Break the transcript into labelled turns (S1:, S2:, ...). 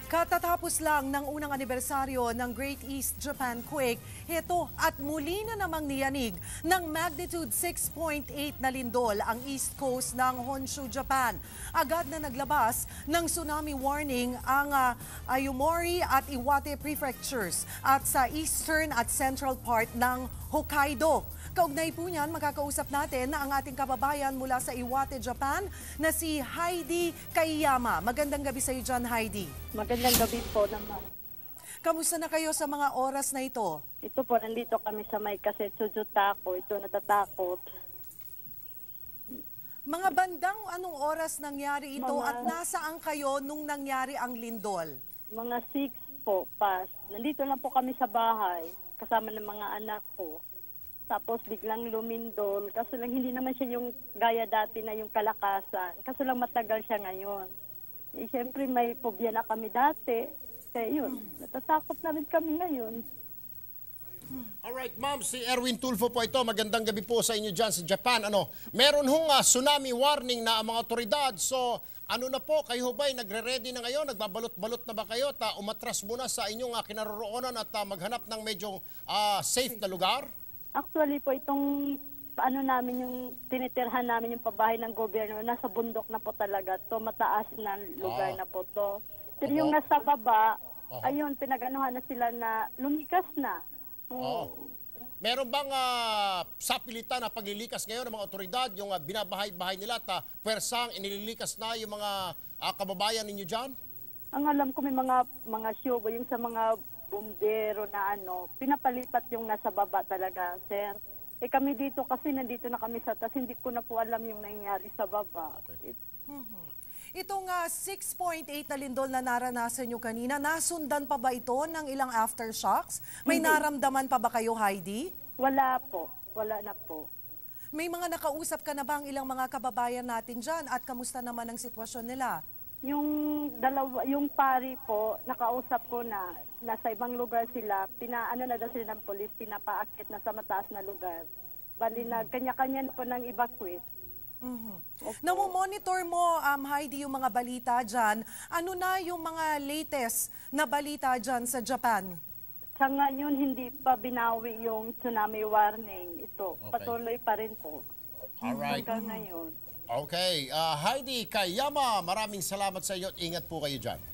S1: Katatapos lang ng unang anibersaryo ng Great East Japan Quake, heto at muli na namang niyanig ng magnitude 6.8 na lindol ang east coast ng Honshu, Japan. Agad na naglabas ng tsunami warning ang Ayumori at Iwate prefectures at sa eastern at central part ng Hokkaido. Kaugnay po niyan, makakausap natin na ang ating kababayan mula sa Iwate, Japan na si Heidi Kaiyama. Magandang gabi sa iyo dyan, Heidi.
S2: Magandang gabi po naman.
S1: Kamusta na kayo sa mga oras na ito?
S2: Ito po, nandito kami sa may Kasetsuju-tako. Ito, natatakot.
S1: Mga bandang anong oras nangyari ito at nasaan kayo nung nangyari ang lindol?
S2: Mga 6 po, past. Nandito lang po kami sa bahay, kasama ng mga anak ko. Tapos biglang lumindol. Kaso lang hindi naman siya yung gaya dati na yung kalakasan. Kaso lang matagal siya ngayon. Eh, siyempre may phobia na kami dati. Kaya yun, natatakot na rin kami ngayon.
S3: Alright, ma'am, si Erwin Tulfo po ito. Magandang gabi po sa inyo dyan sa Japan. Meron hong tsunami warning na ang mga otoridad. So, ano na po, kayo ba'y nagre-ready na ngayon? Nagbabalot-balot na ba kayo? Umatras muna sa inyong kinaroroonan at maghanap ng medyo safe na lugar?
S2: Actually po, itong namin yung tinitirhan namin yung pabahay ng gobyerno, nasa bundok na po talaga to, mataas na lugar na po to. Pero yung nasa baba, ayun, pinag-anuhan na sila na lumikas na.
S3: Meron bang sapilitan na paglilikas ngayon ng mga otoridad, yung binabahay-bahay nila at pwersang inililikas na yung mga kababayan ninyo dyan?
S2: Ang alam ko may mga syobo, yung sa mga bumbero na pinapalipat yung nasa baba talaga, sir. Eh kami dito kasi nandito na kami sa taas, hindi ko na po alam yung nangyari sa baba.
S3: Okay.
S1: Itong 6.8 na lindol na naranasan nyo kanina, nasundan pa ba ito ng ilang aftershocks? May naramdaman pa ba kayo, Heidi?
S2: Wala po. Wala na po.
S1: May mga nakausap ka na ba ang ilang mga kababayan natin dyan at kamusta naman ang sitwasyon nila?
S2: Yung pari po, nakausap ko na nasa ibang lugar sila, na daw sila ng polis, pinapaakit na sa mataas na lugar. Bali na kanya-kanya na po ng evacuate.
S1: Namomonitor mo, Heidi, yung mga balita dyan. Ano na yung mga latest na balita dyan sa Japan?
S2: Sa ngayon, hindi pa binawi yung tsunami warning. Ito, patuloy pa rin po.
S3: Alright.
S2: Hanggang ngayon.
S3: Okay. Heidi Kaiyama, maraming salamat sa iyo at ingat po kayo dyan.